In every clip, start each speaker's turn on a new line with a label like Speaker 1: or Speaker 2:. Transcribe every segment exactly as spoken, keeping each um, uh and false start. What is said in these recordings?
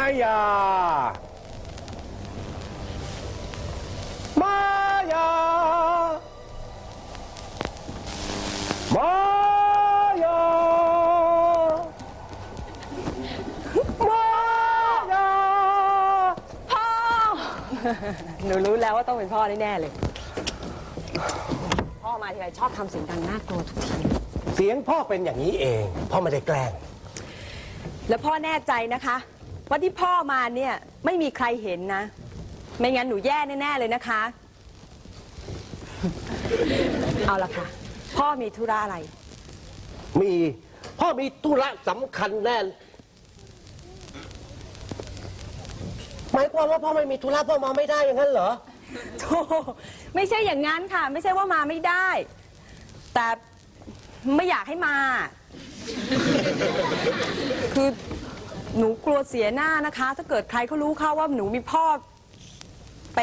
Speaker 1: ายามายามายามายา
Speaker 2: พ่อ หนูรู้แล้วว่าต้องเป็นพ่อแน่ๆเลย พ่อมาทีไรชอบทำเสียงดังน่ากลัวทุกที
Speaker 1: เสียงพ่อเป็นอย่างนี้เองพ่อไม่ได้แกล้ง
Speaker 2: แล้วพ่อแน่ใจนะคะว่าที่พ่อมาเนี่ยไม่มีใครเห็นนะ ไม่งั้นหนูแย่แน่ๆเลยนะคะ เอาละค่ะ พ่อมีธุระอะไร
Speaker 1: มีพ่อมีธุระสำคัญแน่หมายความว่าพ่อไม่มีธุระพ่อมาไม่ได้อย่างนั้นเหรอ
Speaker 2: โธ่ไม่ใช่อย่างนั้นค่ะ ไม่ใช่ว่ามาไม่ได้ แต่ไม่อยากให้มา คือหนูกลัวเสียหน้านะคะ ถ้าเกิดใครเขารู้เข้าว่าหนูมีพ่อเป็น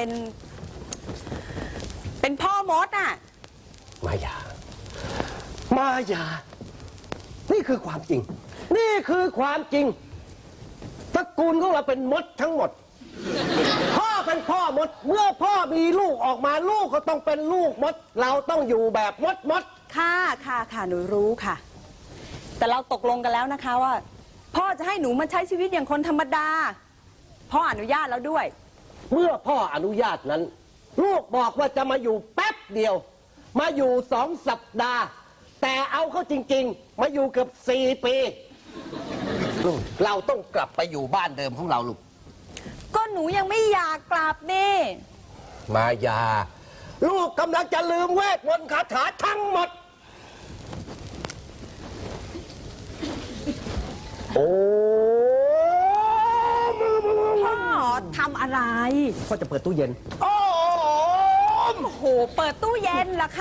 Speaker 2: เป็นพ่อมดอ่ะ
Speaker 1: มายา มายา นี่คือความจริง นี่คือความจริงตระกูลของเราเป็นมดทั้งหมด พ่อเป็นพ่อมด เมื่อพ่อมีลูกออกมาลูกก็ต้องเป็นลูกมด เราต้องอยู่แบบมดมด
Speaker 2: ค่ะค่ะค่ะหนูรู้ค่ะ แต่เราตกลงกันแล้วนะคะว่า พ่อจะให้หนูมาใช้ชีวิตอย่างคนธรรมดา พ่ออนุญาตแล้วด้วย
Speaker 1: เมื่อพ่ออนุญาตนั้น ลูกบอกว่าจะมาอยู่แป๊บเดียว มาอยู่สองสัปดาห์ แต่เอาเข้าจริงๆ มาอยู่เกือบสี่ปีลูกเราต้องกลับไปอยู่บ้านเดิมของเราลูก
Speaker 2: ก็หนูยังไม่อยากกลับนี่
Speaker 1: มายา ลูกกำลังจะลืมเวทมนต์คาถาทั้งหมด โอ้
Speaker 2: พ่อทำอะไร
Speaker 1: พ่อจะเปิดตู้เย็น โอ้
Speaker 2: โอ้โห เปิดตู้เย็นเหรอคะ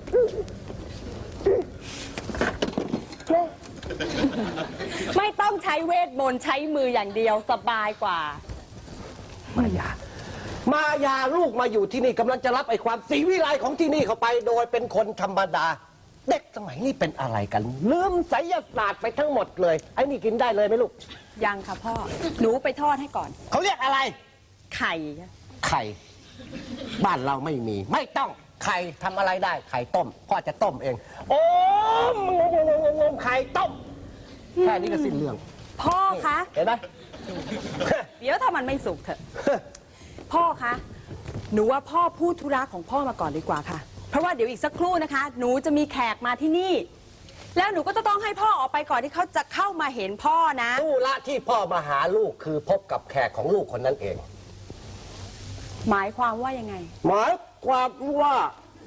Speaker 2: ไม่ต้องใช้เวทมนต์ใช้มืออย่างเดียวสบายกว่า
Speaker 1: มายา มายาลูกมาอยู่ที่นี่กำลังจะรับไอ้ความศรีวิไลของที่นี่เข้าไปโดยเป็นคนธรรมดา เด็กสมัยนี้เป็นอะไรกัน ลืมไสยศาสตร์ไปทั้งหมดเลย ไอ้นี่กินได้เลยไหมลูก
Speaker 2: ยังค่ะพ่อ หนูไปทอดให้ก่อน
Speaker 1: เขาเรียกอะไร
Speaker 2: ไข่
Speaker 1: ไข่ บ้านเราไม่มี ไม่ต้อง ไข่ทำอะไรได้ ไข่ต้ม พ่อจะต้มเอง โอ้มงงงงงไข่ต้ม แค่นี้ก็สิ้นเรื่อง
Speaker 2: พ่อคะ
Speaker 1: เห็นไหม
Speaker 2: เดี๋ยวถ้ามันไม่สุกเถอะ พ่อคะ หนูว่าพ่อพูดธุระของพ่อมาก่อนดีกว่าค่ะ เพราะว่าเดี๋ยวอีกสักครู่นะคะ หนูจะมีแขกมาที่นี่ แล้วหนูก็จะต้องให้พ่อออกไปก่อนที่เขาจะเข้ามาเห็นพ่อนะ
Speaker 1: ธุระที่พ่อมาหาลูกคือพบกับแขกของลูกคนนั้นเอง
Speaker 2: หมายความว่ายังไง
Speaker 1: หมายความว่า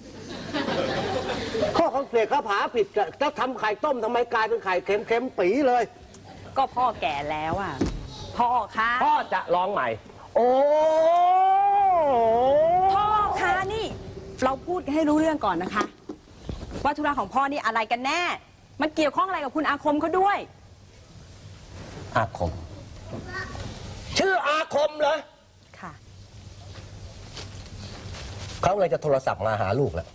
Speaker 1: ข้อของเสกข้าผาผิดจะทำไข่ต้มทำไมกลายเป็นไข่เค็มๆปีเลย
Speaker 2: ก็พ่อแก่แล้วอ่ะ พ่อคะ
Speaker 1: พ่อจะร้องใหม่ โอ้
Speaker 2: พ่อคะนี่ เราพูดให้รู้เรื่องก่อนนะคะ ว่าธุระของพ่อนี่อะไรกันแน่ มันเกี่ยวข้องอะไรกับคุณอาคมเขาด้วย
Speaker 1: อาคม ชื่ออาคมเหรอ
Speaker 2: ค่ะ
Speaker 1: เขาเลยจะโทรศัพท์มาหาลูกแล้ว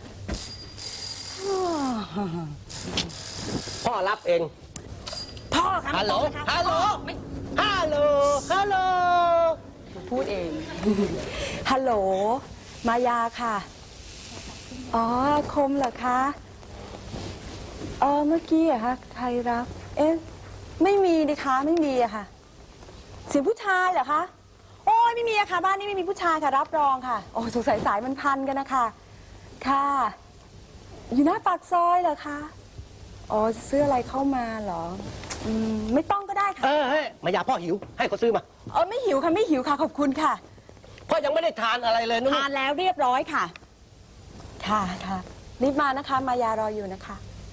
Speaker 1: พ่อรับเอง
Speaker 2: พ่อคะ
Speaker 1: ฮัลโหล
Speaker 2: ไม่ต้องนะคะ
Speaker 1: ฮัลโหล
Speaker 2: ไม่
Speaker 1: ฮัลโหล ฮัลโหล
Speaker 2: หนูพูดเอง ฮัลโหล มายาค่ะ อ๋ออาคมเหรอคะเออเมื่อกี้อะคะใครรับ เอ๊ะ ไม่มีดิคะ ไม่มีอะค่ะ เสียงผู้ชายเหรอคะ โอ้ยไม่มีอะค่ะ บ้านนี้ไม่มีผู้ชายค่ะ รับรองค่ะ โอ้สงสัยสายมันพันกันนะคะ ค่ะ อยู่หน้าปากซอยเหรอคะ อ๋อจะซื้ออะไรเข้ามาเหรอ อืม ไม่ต้องก็ได้ค่ะ
Speaker 1: เออเฮ้ยมายาพ่อหิว ให้เขาซื้อมา
Speaker 2: เออไม่หิวค่ะ ไม่หิวค่ะ ขอบคุณค่ะ
Speaker 1: พ่อยังไม่ได้ทานอะไรเลยนู่น
Speaker 2: ทานแล้วเรียบร้อยค่ะ ค่ะค่ะรีบมานะคะ มายารออยู่นะคะ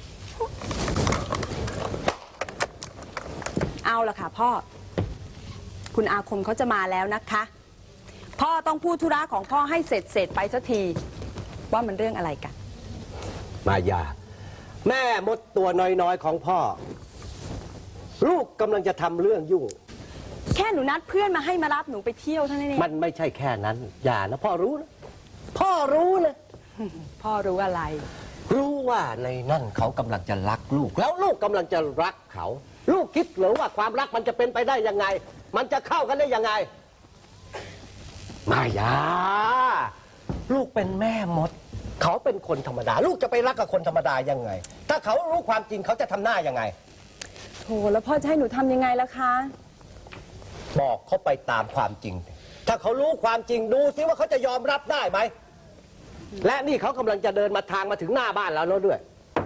Speaker 2: เอาละค่ะพ่อ คุณอาคมเขาจะมาแล้วนะคะ พ่อต้องพูดธุระของพ่อให้เสร็จเสร็จไปสักที ว่ามันเรื่องอะไรกัน
Speaker 1: มายา แม่มดตัวน้อยๆของพ่อ ลูกกำลังจะทำเรื่องยุ่ง
Speaker 2: แค่หนูนัดเพื่อนมาให้มารับหนูไปเที่ยวเท่านั้นเอง
Speaker 1: มันไม่ใช่แค่นั้น อย่านะพ่อรู้นะ พ่อรู้นะ
Speaker 2: พ่อรู้อะไร
Speaker 1: รู้ว่าในนั่นเขากำลังจะรักลูก แล้วลูกกำลังจะรักเขาลูกคิดหรือว่าความรักมันจะเป็นไปได้ยังไง มันจะเข้ากันได้ยังไง มายา ลูกเป็นแม่มด เขาเป็นคนธรรมดา ลูกจะไปรักกับคนธรรมดายังไง ถ้าเขารู้ความจริงเขาจะทำหน้ายังไง
Speaker 2: โถแล้วพ่อจะให้หนูทำยังไงล่ะคะ
Speaker 1: บอกเขาไปตามความจริง ถ้าเขารู้ความจริงดูซิว่าเขาจะยอมรับได้ไหม และนี่เขากำลังจะเดินมาทางมาถึงหน้าบ้านแล้วด้วย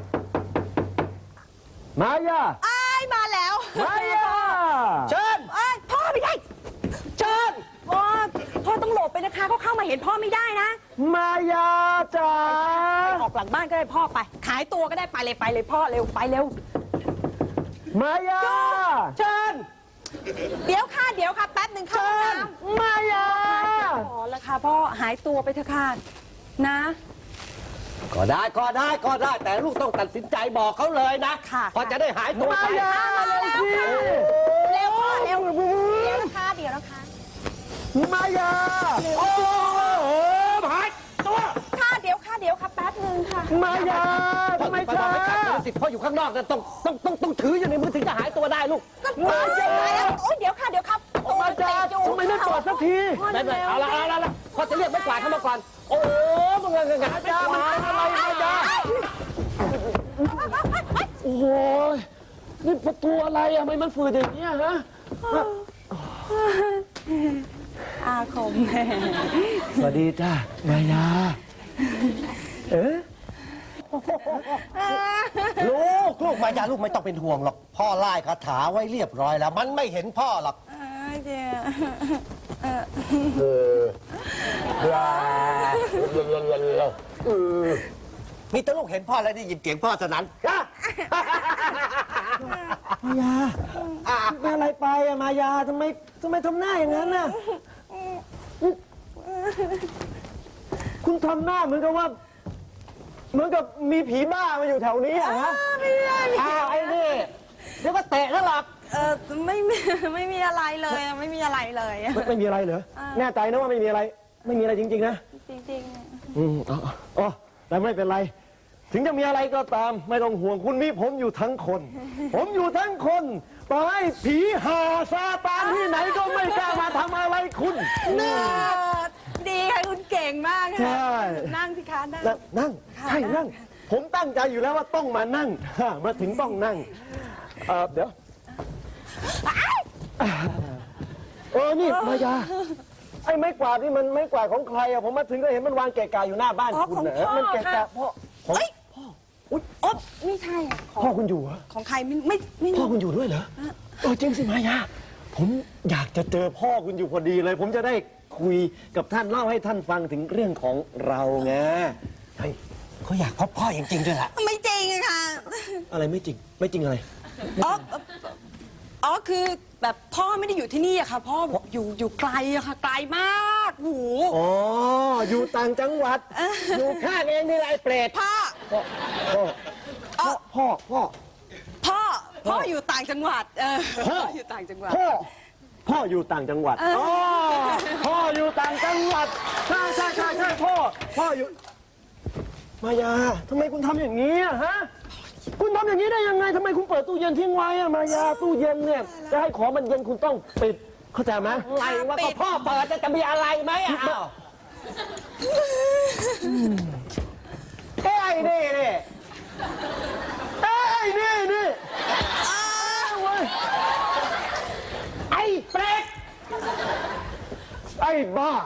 Speaker 1: มายา
Speaker 2: อ้ายมาแล้ว
Speaker 1: มายา เชิญ
Speaker 2: เอ้ยพ่อไม่ได้
Speaker 1: เชิญ
Speaker 2: พ่อพ่อต้องหลบไปนะคะเขาเข้ามาเห็นพ่อไม่ได้นะ
Speaker 1: มายาจ๋า
Speaker 2: ไปออกหลังบ้านก็ได้พ่อไป ขายตัวก็ได้ไปเลยไปเลยพ่อเร็วไปเร็ว
Speaker 1: มายา เชิญ
Speaker 2: เดี๋ยวค่ะเดี๋ยวค่ะแป๊บหนึ่งค่ะ
Speaker 1: เชิญ มายา
Speaker 2: ขอละค่ะพ่อหายตัวไปเถอะค่ะนะ
Speaker 1: ก็ได้ก็ได้ก็ได้ แต่ลูกต้องตัดสินใจบอกเขาเลยนะ
Speaker 2: ค่ะ
Speaker 1: พอจะได้หายตัว
Speaker 2: มา
Speaker 1: ไป
Speaker 2: ยามาเร็วสิเร็วพ่อเร็วเดี๋ยวนะคะเดี๋ยวนะคะ
Speaker 1: มายา โอ้โหหายตัว
Speaker 2: ค่ะเดี๋ยวค่ะเดี๋ยวค่ะแป๊บหนึ่งค่ะ
Speaker 1: มายาทำไมช้าสิพ่ออยู่ข้างนอกนะต้องต้องต้องต้องถืออยู่ในมือถึงจะหายตัวได้ลูก
Speaker 2: มายาโอ้ยเดี๋ยวค่ะเดี๋ยวครับ
Speaker 1: มายาทำไมไม่กอดสักทีไม่ไม่เอาละเอาละเอาละพ่อจะเรียกไม่กวาดเข้ามาก่อนโอ้โหมันเงินเงินมายามันเป็นอะไรมายาโอ้โหนี่ประตูอะไรอะทำไมมันฝืดอย่างเงี้ยฮะ
Speaker 2: อาคม
Speaker 1: สวัสดีจ้ามายา เอ๊ะลูกลูกมายาลูกไม่ต้องเป็นห่วงหรอก พ่อไล่คาถาไว้เรียบร้อยแล้ว มันไม่เห็นพ่อหรอก
Speaker 2: เจ๊
Speaker 1: เออเออเออมีแต่ลูกเห็นพ่อแล้วได้ยินเสียงพ่อเท่านั้น
Speaker 3: มายาเป็นอะไรไปอะมายาทำไมทำไมทำหน้าอย่างนั้นน่ะ คุณทำหน้าเหมือนกับว่า เหมือนกับมีผีบ้ามาอยู่แถวนี้อะฮะ
Speaker 2: ไม่ได้
Speaker 1: อ้าวไอ้นี่เดี๋ยวก็เตะแล้วหรอก
Speaker 2: เออไม่มีไม่มีอะไรเลยไม่มีอะไรเลย
Speaker 3: ไม่ไม่มีอะไรเหรอแน่ใจนะว่าไม่มีอะไร ไม่มีอะไรจริงๆนะ
Speaker 2: จริง
Speaker 3: อืมอ๋ออ๋อแต่ไม่เป็นไร ถึงจะมีอะไรก็ตาม ไม่ต้องห่วงคุณมีผมอยู่ทั้งคน ผมอยู่ทั้งคนต่อให้ผีหาซาตานที่ไหนก็ไม่กล้ามาทำอะไรคุณ
Speaker 2: ๆน่าดีค่ะคุณเก่งมาก
Speaker 3: ใช่
Speaker 2: ค่ะนั่งสิคะนั่ง
Speaker 3: นั่งนั่งใช่นั่ง ผมตั้งใจอยู่แล้วว่าต้องมานั่งฮะมาถึงต้องนั่งเออเดี๋ยวเออนี่มายาไอ้ไม้กวาดนี่มันไม้กวาดของใครอะผมมาถึงก็เห็นมันวางเกะกะอยู่หน้าบ้านคุณนะมันเกะกะพ่อของ
Speaker 2: เฮ้ยอุ๊ยอ๊บไม่ใช่อะของ
Speaker 3: พ่อคุณอยู่เหรอ
Speaker 2: ของใครไม่ไม่ไม่
Speaker 3: พ่อคุณอยู่ด้วยเหรอเออจริงสิมายาผมอยากจะเจอพ่อคุณอยู่พอดีเลย ผมจะได้คุยกับท่านเล่าให้ท่านฟังถึงเรื่องของเราไง
Speaker 1: เฮ้ยเขาอยากพบพ่อจริงๆด้วยล่ะ
Speaker 2: ไม่จริงอะค่ะ
Speaker 3: อะไรไม่จริงไม่จริงอะไร
Speaker 2: อ๋ออ๋อคือแบบพ่อไม่ได้อยู่ที่นี่อะค่ะ พ่ออยู่อยู่ไกลอะค่ะ ไกลมากหู
Speaker 3: อ๋ออยู่ต่างจังหวัด
Speaker 1: อยู่ข้างเองนี่แหละไอ้เปรต
Speaker 2: พ่อ
Speaker 3: พ่อพ่อพ่อพ่อ
Speaker 2: พ่อ พ่ออยู่ต่างจังหวัด เออ
Speaker 3: พ่อ
Speaker 2: อยู่ต่างจังหวัด
Speaker 3: พ่อพ่ออยู่ต่างจังหวัดอ๋อพ่ออยู่ต่างจังหวัดใช่ใช่ใช่ใช่พ่อพ่ออยู่ มายาทำไมคุณทำอย่างนี้อะฮะคุณทำอย่างนี้ได้ยังไงทำไมคุณเปิดตู้เย็นทิ้งไว้อะมายาตู้เย็นเนี่ยจะให้ของมันเย็นคุณต้องปิดเข้าใจไหม
Speaker 1: อะไรวะก็พ่อเปิดจะมีอะไรไหมอ่ะอ้าวเอ้ยนี่นี่
Speaker 3: เอ้ยนี่นี่เว้ย
Speaker 1: ไอ้เปรต
Speaker 3: ไอ้บ้า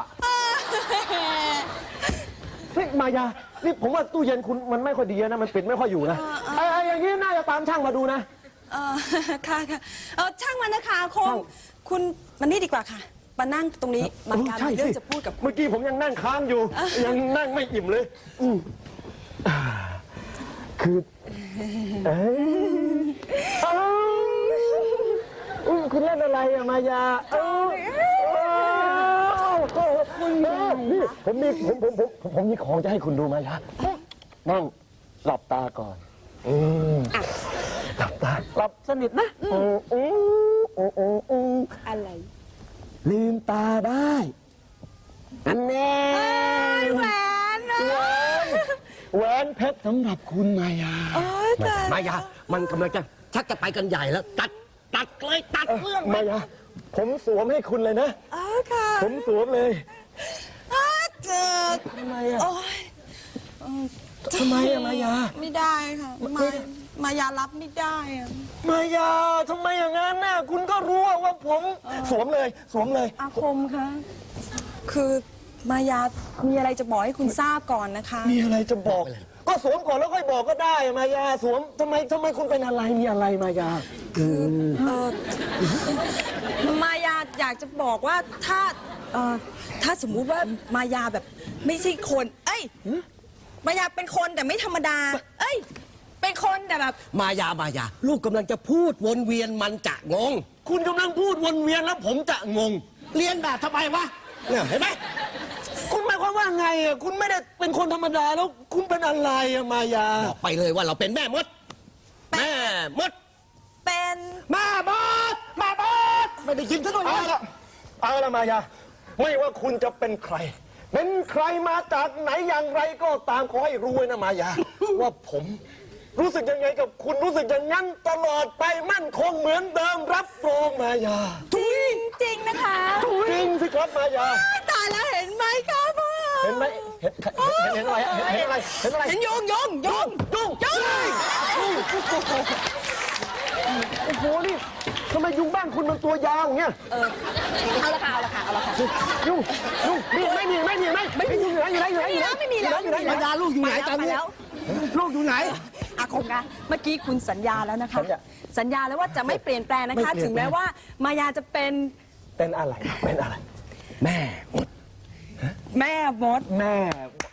Speaker 3: เฮ้ยมายานี่ผมว่าตู้เย็นคุณมันไม่ค่อยดีนะมันปิดไม่ค่อยอยู่นะไอ้ไอ้อย่างนี้น่าจะตามช่างมาดูนะ
Speaker 2: เออค่ะค่ะเออช่างมันนะคะคงคุณมันนี่ดีกว่าค่ะ มานั่งตรงนี้มาการ
Speaker 3: ใช่
Speaker 2: มีเรื่อ
Speaker 3: สิ
Speaker 2: งจะพูดกับคุณ
Speaker 3: เมื่อกี้ผมยังนั่งค้างอยู่ ยังนั่งไม่อิ่มเลยอืมอ่าคือเอ้ยเอ้าอุ๊ยคุณเล่นอะไรอะมายาเอ้าเอ้าเอ้านี่ผมมีผมผมผมผมผมมีของจะให้คุณดูมายานั่งหลับตาก่อนอืมหลับตาหลับสนิทนะอืมอืมอืมอืมอืม
Speaker 2: อะไร
Speaker 3: ลืมตาได้อันแน่
Speaker 2: แหวนนะ
Speaker 3: แหวนแหวนเพชรสำหรับคุณมายา
Speaker 2: โอ้ยแต่
Speaker 1: มายามันกำลังจะชักจะไปกันใหญ่แล้ว ตัดตัดเลยตัดเรื่อง
Speaker 3: มายา ผมสวมให้คุณเลยนะ
Speaker 2: อ๋อค่ะ
Speaker 3: ผมสวมเลย
Speaker 2: อ้าเจ็บ
Speaker 3: ทำไมอะ
Speaker 2: โอ้ย
Speaker 3: ทำไมอะมายา
Speaker 2: ไม่ได้ค่ะ มามายารับไม่ได้อะ
Speaker 3: มายาทำไมอย่างนั้นน่ะคุณก็รู้ว่าผมสวมเลยสวมเลย
Speaker 2: อาคมคะคือมายามีอะไรจะบอกให้คุณทราบก่อนนะคะ
Speaker 3: มีอะไรจะบอก ก็สวมก่อนแล้วค่อยบอกก็ได้มายาสวมทำไมทำไมคุณเป็นอะไรมีอะไรมายา
Speaker 2: เออมายาอยากจะบอกว่าถ้าเออถ้าสมมุติว่ามายาแบบไม่ใช่คน เอ้ย มายาเป็นคนแต่ไม่ธรรมดา เอ้ย เป็นคนแต่แบบ
Speaker 1: มายามายา ลูกกำลังจะพูดวนเวียนมันจะงง คุณกำลังพูดวนเวียนแล้วผมจะงง เรียนแบบทำไมวะเนี่ยเห็นไหม
Speaker 3: คุณหมายความว่าไงอ่ะคุณไม่ได้เป็นคนธรรมดาแล้วคุณเป็นอะไรอะมายา
Speaker 1: บอกไปเลยว่าเราเป็นแม่มด แม่มด
Speaker 2: เป็น
Speaker 1: แม่มดแม่มดไม่ได้ยินซะด้วย
Speaker 3: เอา
Speaker 1: นะ
Speaker 3: ละเอาละมายา ไม่ว่าคุณจะเป็นใคร เป็นใครมาจากไหนอย่างไรก็ตามขอให้รู้ไว้นะมายา ว่าผมรู้สึกยังไงกับคุณรู้สึกอย่างนั้นตลอดไปมั่นคงเหมือนเดิมรับรองมายา
Speaker 2: จริงจริงนะคะ
Speaker 3: จริงสิครับมายา
Speaker 2: ตายแล้วเห็นไหมครับพ่อ
Speaker 3: เห็นไหมเห็นเห็นเห็นอะไรอะเห็นเห็นอะไรเห็นอะไร
Speaker 2: เห็นยงยงยง
Speaker 3: ยุ่ง
Speaker 2: ยง
Speaker 3: โอ้โหนี่ทำไมยุงบ้านคุณมันตัวยาวอย่างเงี้ย
Speaker 2: เออเอาละค่ะเอาละค่ะเอาละค่ะ
Speaker 3: ยุ่งยุ่งนี่ไม่มีไม่มีไม่ไม่มีอยู่ไหนอยู่ไหนอยู่ไหนอยู่ไหน
Speaker 2: ไม่มีแล้ว
Speaker 3: อยู่ไหน
Speaker 2: ไม่มี
Speaker 3: อยู่ไหน
Speaker 1: มายาลูกอยู่ไหนตอนนี้
Speaker 2: ไปแล้ว
Speaker 3: ลูกอยู่ไหน
Speaker 2: อาคมคะเมื่อกี้คุณสัญญาแล้วนะคะ
Speaker 3: สัญญา
Speaker 2: สัญญาแล้วว่าจะไม่เปลี่ยนแปลงนะคะ
Speaker 3: ไม่เปลี่ยน
Speaker 2: ถึงแม้ว่ามายาจะเป็น
Speaker 3: เป็นอะไรเป็นอะไร
Speaker 1: แม่มด
Speaker 2: แม่มด
Speaker 3: แม่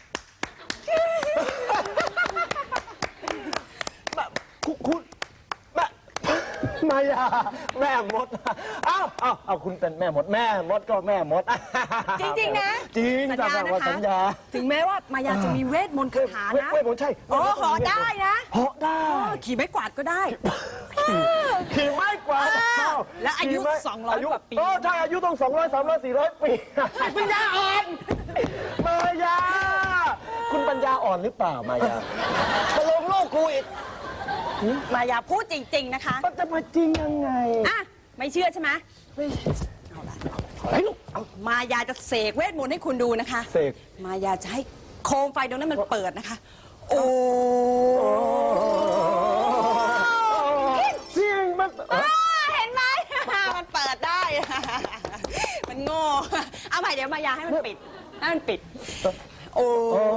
Speaker 3: คุณคุณแม่มายาแม่มดเอ้าเอ้าเอาคุณเป็นแม่มดแม่มดก็แม่มด
Speaker 2: จริงๆนะ
Speaker 3: จริง
Speaker 2: สัญ
Speaker 3: จ้ะ
Speaker 2: ญา
Speaker 3: ว่า
Speaker 2: นะคะ
Speaker 3: สัญญา
Speaker 2: ถึงแม้ว่ามายาจะมีเวทมนต์คาถานะ
Speaker 3: เว้ยผมใช่
Speaker 2: โอ้หอได้นะ
Speaker 3: เหาะได้
Speaker 2: เออขี่ไม้กวาดก็ได้
Speaker 3: ขี่ไม้กวาด
Speaker 2: อ้าวและอายุ
Speaker 3: ขี่ไม้
Speaker 2: สองร้อย
Speaker 3: ยุ
Speaker 2: กว่าปี
Speaker 3: โอ้ใช่อายุต้องสองร้อยสามร้อยสี่ร้อยปีปัญญาอ่อนมายา คุณปัญญาอ่อนหรือเปล่ามายาตกลงโลกกูอีก
Speaker 2: มายาพูดจริง ๆ นะคะ
Speaker 3: มันจะมาจริงยังไง
Speaker 2: อ่ะไม่เชื่อใช่ไหมเอาละ
Speaker 3: เฮ้ยลูกเอา
Speaker 2: มายาจะเสกเวทมนต์ให้คุณดูนะคะ
Speaker 3: เสก
Speaker 2: มายาจะให้โคมไฟตรงนั้นมันเปิดนะคะ โอ้
Speaker 3: เสียงมันเอ้ย
Speaker 2: เห็นไหม มันเปิดได้ มันโง่ เอาใหม่เดี๋ยวมายาให้มันปิด ให้มันปิด โอ้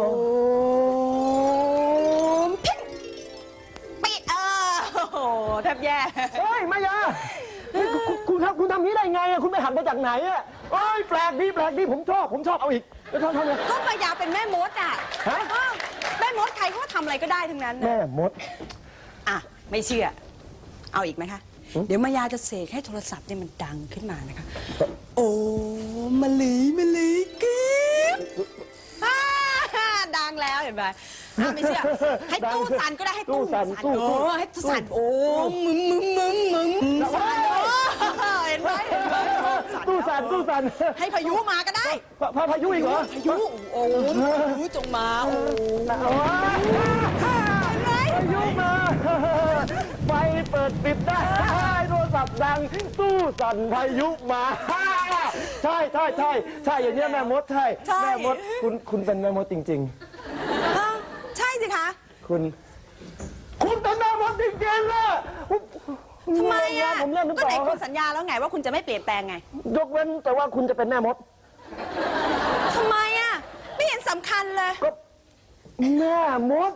Speaker 2: มพิ้งปิดเออโอ้โหแทบแย่
Speaker 3: เฮ้ยมายาเฮ้ยคุณคุณทำคุณทำนี้ได้ไงอะคุณไปหันมาจากไหนอะเอ้ยแปลกดีแปลกดีผมชอบผมชอบเอาอีกแล้วทำทำไง
Speaker 2: ก็มายาเป็นแม่มดอ่ะ
Speaker 3: ฮะ
Speaker 2: เออแม่มดใครก็ทำอะไรก็ได้ทั้งนั้นน่ะ
Speaker 3: แม่มด
Speaker 2: อ่ะ ไม่เชื่อ เอาอีกไหมคะ เดี๋ยวมายาจะเสกให้โทรศัพท์เนี่ยมันดังขึ้นมานะคะ โอ้มะลิมะลิกิ๊บอ่าดังแล้วเห็นไหมอ่ะไม่เชื่อ ให้ตู้สั่นก็ได้ให้ตู้
Speaker 3: ตู้สั่นตู้
Speaker 2: โอ้ให้ตู้สั่นโอ้มึงมึงมึงมึงสั่นโอ้เห็นไหมเห็นไหม
Speaker 3: ตู้สั่นตู้สั่น
Speaker 2: ให้พายุมาก็ได้
Speaker 3: พาพาพายุอีกเหรอ
Speaker 2: พายุโอ้พายุจงมาโอ้
Speaker 3: โอ้ยพายุมาไฟเปิดปิดได้โทรศัพท์ดังตู้สั่นพายุมาใช่ใช่ใช่ใช่อย่างเงี้ยแม่มดใช่แม่มดคุณคุณเป็นแม่มดจริง
Speaker 2: อ้าวใช่สิคะ
Speaker 3: ๆ คุณ คุณเป็นแม่มดจริงๆนะ
Speaker 2: ทำไมอ่ะ
Speaker 3: ผมเล่นหรือ
Speaker 2: ก็
Speaker 3: เป
Speaker 2: ไหน
Speaker 3: ล่า
Speaker 2: คุณสัญญาแล้วไงว่าคุณจะไม่เปลี่ยนแปลงไง
Speaker 3: ยกเว้นแต่ว่าคุณจะเป็นแม่มด
Speaker 2: ทำไมอ่ะ ไม่เห็นสำคัญเลย
Speaker 3: ก็แม่มด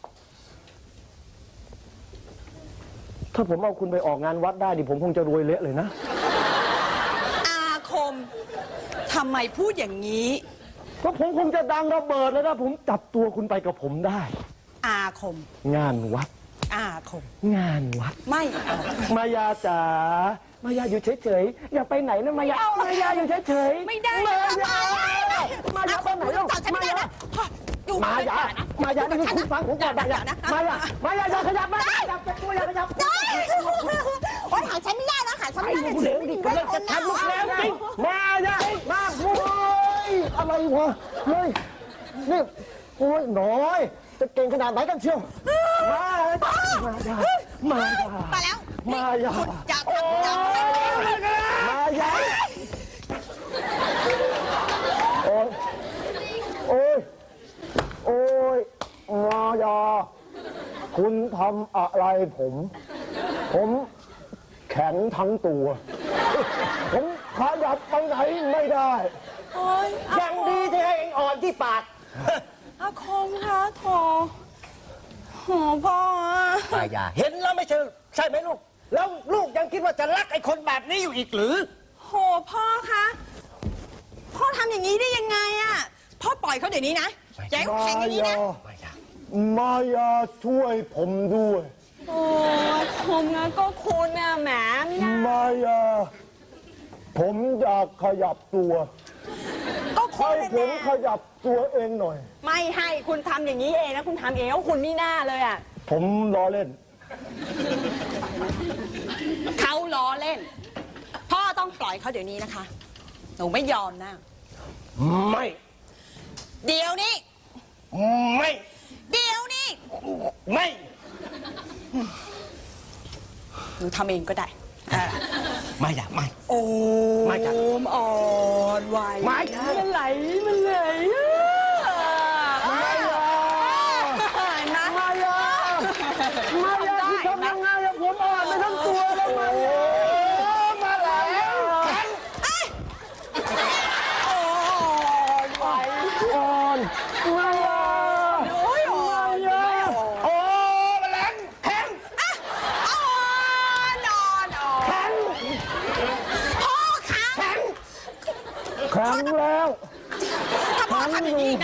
Speaker 3: ถ้าผมเอาคุณไปออกงานวัดได้ดิผมคงจะรวยเละเลยนะ
Speaker 2: อาคมทำไมพูดอย่างนี้
Speaker 3: ก็ผมคงจะดังระเบิดแล้วนะผมจับตัวคุณไปกับผมได้
Speaker 2: อาคม
Speaker 3: งานวัด
Speaker 2: อาคม
Speaker 3: งานวัด
Speaker 2: ไม่เอา
Speaker 3: มายาจ๋ามายาอยู่เฉยๆอย่าไปไหนนะมายามายาอยู่เฉยๆ
Speaker 2: ไม่ได้
Speaker 3: มา
Speaker 2: นะ
Speaker 3: ยามายาไปไหนแล้ว
Speaker 2: จับฉันไม่ได้นะอยู่
Speaker 3: มายามายานี่คือคุณฟังผมก่อนมายามายามายาอย่าขยับมาขยับแต่ตัวอย่าขยับ
Speaker 2: โอ้ยหาฉันไม่ได้นะหาฉัน
Speaker 3: ไอ้
Speaker 2: ไม่ได้
Speaker 3: เด็กดิกำลังจะทำลูกแล้วจริงมายามาโว้ยอะไรวะเฮ้ยนี่โอ้ยน้อยจะเก่งขนาดไหนกันเชียวมายามายามายา
Speaker 2: ไปแล้ว
Speaker 3: มายา
Speaker 2: อย่าทำอย่าทำ
Speaker 3: มายาโอ้ยโอ้ยโอ้ยมายาคุณทำอะไรผม ผมแข็งทั้งตัว ผมขยับไปไหนไม่ได้
Speaker 2: โอ้ย
Speaker 1: ยังดีที่ให้เองอ่อนที่ปาก
Speaker 2: อาคมคะโถโหพ่ออะ
Speaker 1: มายาเห็นแล้วไม่ใช่ใช่ไหมลูก แล้วลูกยังคิดว่าจะรักไอ้คนแบบนี้อยู่อีกหรือ
Speaker 2: โหพ่อคะพ่อทำอย่างนี้ได้ยังไงอะพ่อปล่อยเขาเดี๋ยวนี้นะอย่าให้เขา
Speaker 3: มา
Speaker 2: แข็งอย่างนี้นะ
Speaker 3: ยา
Speaker 1: มายา
Speaker 3: มายาช่วยผมด้วย
Speaker 2: โอ้คมนะก็คุณน่ะแหมไม่น่าม
Speaker 3: ายา ผมอยากขยับตัว
Speaker 2: ก็คุ
Speaker 3: ให้
Speaker 2: ณ
Speaker 3: ผม
Speaker 2: น่ะ
Speaker 3: ขยับตัวเองหน่อย
Speaker 2: ไม่ให้คุณทำอย่างนี้เองนะคุณทำเองแล้วคุณนี่หน้าเลยอ่ะ
Speaker 3: ผมล้อเล่น
Speaker 2: เขาล้อเล่น พ่อต้องปล่อยเขาเดี๋ยวนี้นะคะ หนูไม่ยอมนะ
Speaker 1: ไม่
Speaker 2: เดี๋ยวนี้
Speaker 1: ไม่
Speaker 2: เดี๋ยวนี้
Speaker 1: ไม่
Speaker 2: หนูทำเองก็ได้อ่ะ
Speaker 1: มายาไม่
Speaker 2: โอ้
Speaker 1: ไม่จ้ะ
Speaker 2: มอ่อนไหว
Speaker 1: ไม่จ้ะ
Speaker 2: มันไหลมันไหลอ่ะ
Speaker 3: มายา
Speaker 2: นะ
Speaker 3: มายา มายาที่ทำยังไงอะผมอ่อนไปทั้งตัวแล้วมายามาแล้ว
Speaker 2: โอ้อนไหว
Speaker 3: อ่อนมายา
Speaker 2: โอ้ยอ่อน
Speaker 3: มายา
Speaker 1: โอ้แมลงแข็ง
Speaker 2: อ่ะอ่อนอ่อนอ่อน
Speaker 1: แข็ง
Speaker 2: พ่อคะ
Speaker 1: แข็ง
Speaker 3: ครั้งแล้ว
Speaker 2: ถ้าพ่อทำอย่างนี้อีกนะ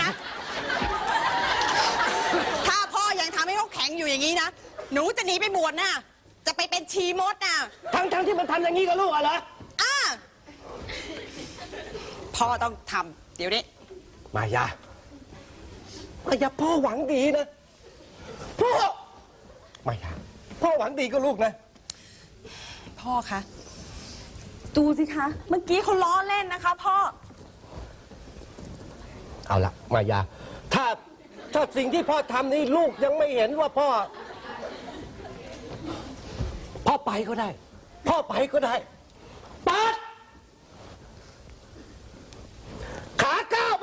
Speaker 2: ถ้าพ่อยังทำให้เขาแข็งอยู่อย่างนี้นะ หนูจะหนีไปบวชน่ะ จะไปเป็นชีมดน่ะ
Speaker 1: ทั้งทั้งที่มันทำอย่างนี้กับลูกอะเหรอ
Speaker 2: อ่ะพ่อต้องทำเดี๋ยวนี้
Speaker 1: มายามายาพ่อหวังดีนะ พ่อ มายาพ่อหวังดีกับลูกนะ
Speaker 2: พ่อคะ ดูสิคะ เมื่อกี้เขาล้อเล่นนะคะ พ่อ
Speaker 1: เอาละมายา ถ้าถ้าสิ่งที่พ่อทำนี่ลูกยังไม่เห็นว่าพ่อ พ่อไปก็ได้ พ่อไปก็ได้ปัดขาก้าวไป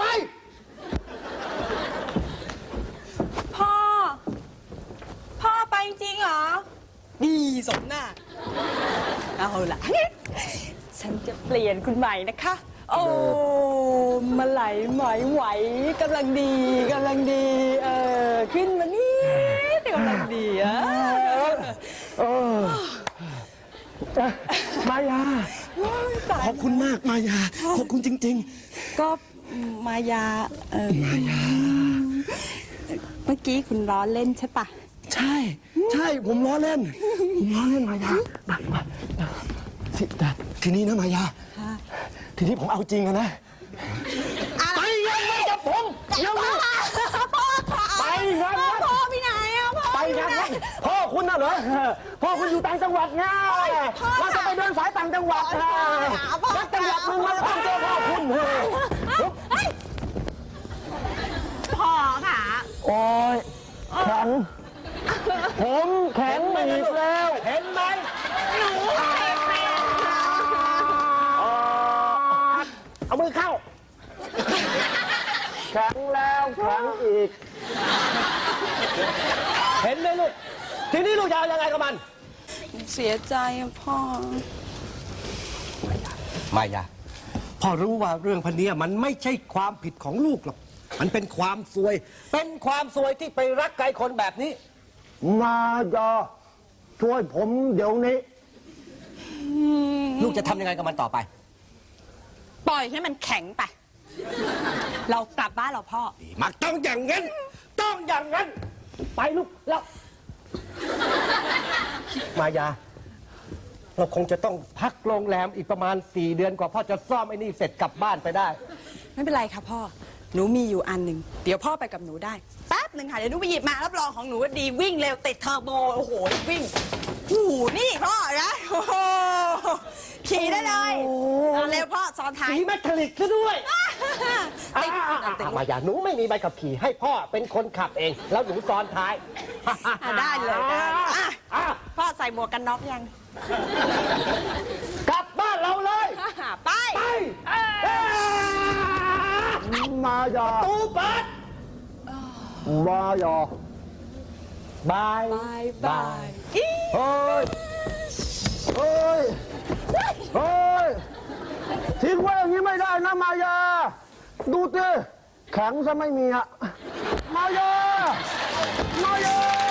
Speaker 2: พ่อ พ่อไปจริงเหรอ ดีสมหน้า เอาล่ะ ฉันจะเปลี่ยนคุณใหม่นะคะ โอ้มาไหลไหมไหวกำลังดีกำลังดี เออขึ้นมานี่กำลังดีอ่ะ
Speaker 3: เอออ่ะมายา
Speaker 2: ตาย
Speaker 3: ขอบคุณมากมายา ขอบคุณจริง
Speaker 2: ก็มายา เออมายา เมื่อกี้คุณล้อเล่นใช่ปะ
Speaker 3: ๆ ใช่ ใช่ ผมล้อเล่น ผมล้อเล่นมายามามาทีแต่ทีนี้นะมายา ทีนี้ผมเอาจริงอะนะ
Speaker 2: ไปยังไม่จับผมยังไม่พ่อค่ะ
Speaker 3: ไปงานวัด
Speaker 2: พ่อพี่ไหนอะพ่อ
Speaker 3: ไปงานวัดพ่อคุณน่ะเหรอ พ่อคุณอยู่ต่างจังหวัดไงเราจะไปเดินสายต่างจังหวัดนะนักจังหวัดหนึ่งมาทำเจอพ่อคุณเถอะ
Speaker 2: พ่อค่ะ
Speaker 3: โอ้ยแข็ง ผมแข็งอีกแล้ว
Speaker 1: เห็นไหม
Speaker 2: หนูเองเป็น
Speaker 1: เอามือเข้า
Speaker 3: แข็งแล้วแข็งอีก
Speaker 1: เห็นไหมลูก ทีนี้ลูกจะเอายังไงกับมัน
Speaker 2: เสียใจอะพ่อ
Speaker 1: มายาพ่อรู้ว่าเรื่องพันนี้มันไม่ใช่ความผิดของลูกหรอก มันเป็นความซวย เป็นความซวยที่ไปรักไกลคนแบบนี้
Speaker 3: มายาช่วยผมเดี๋ยวนี้
Speaker 1: ลูกจะทำยังไงกับมันต่อไป
Speaker 2: ปล่อยให้มันแข็งไป เรากลับบ้านเราพ่อ
Speaker 1: มันต้องอย่างนั้น ต้องอย่างนั้น ไปลูกแล้ว มายา เราคงจะต้องพักโรงแรมอีกประมาณสี่เดือนกว่าพ่อจะซ่อมไอ้นี่เสร็จกลับบ้านไปได้
Speaker 2: ไม่เป็นไรค่ะพ่อ หนูมีอยู่อันหนึ่ง เดี๋ยวพ่อไปกับหนูได้ แป๊บหนึ่งค่ะ เดี๋ยวหนูไปหยิบมา รับรองของหนูว่าดีวิ่งเร็วติดเทอร์โบ โอ้โห วิ่งโอ้โหนี่พ่อนะโอ้โหขี่ได้เลยเอาเร็วพ่อซ้อนท้าย
Speaker 1: สีแมทริกซะด้วย
Speaker 2: ติด
Speaker 1: อ่ะอ่ะ
Speaker 2: ติด
Speaker 1: อ่ะมายาหนูไม่มีใบขับขี่ให้พ่อเป็นคนขับเอง แล้วหนูซ้อนท้าย
Speaker 2: อ่ะได้เลยได้อ่ะ
Speaker 1: อ่ะ
Speaker 2: พ่อใส่ส่หมวกกันน็อกยัง
Speaker 3: กลับบ้านเราเลย
Speaker 2: ไป
Speaker 3: ไปมายา
Speaker 1: ตูเปิด
Speaker 3: มายาบาย
Speaker 2: บายบาย
Speaker 3: เฮ้ย เฮ้ย เฮ้ย ทิ้งไว้อย่างนี้ไม่ได้นะมายา ดูสิแข็งซะไม่มีอะมายา มายา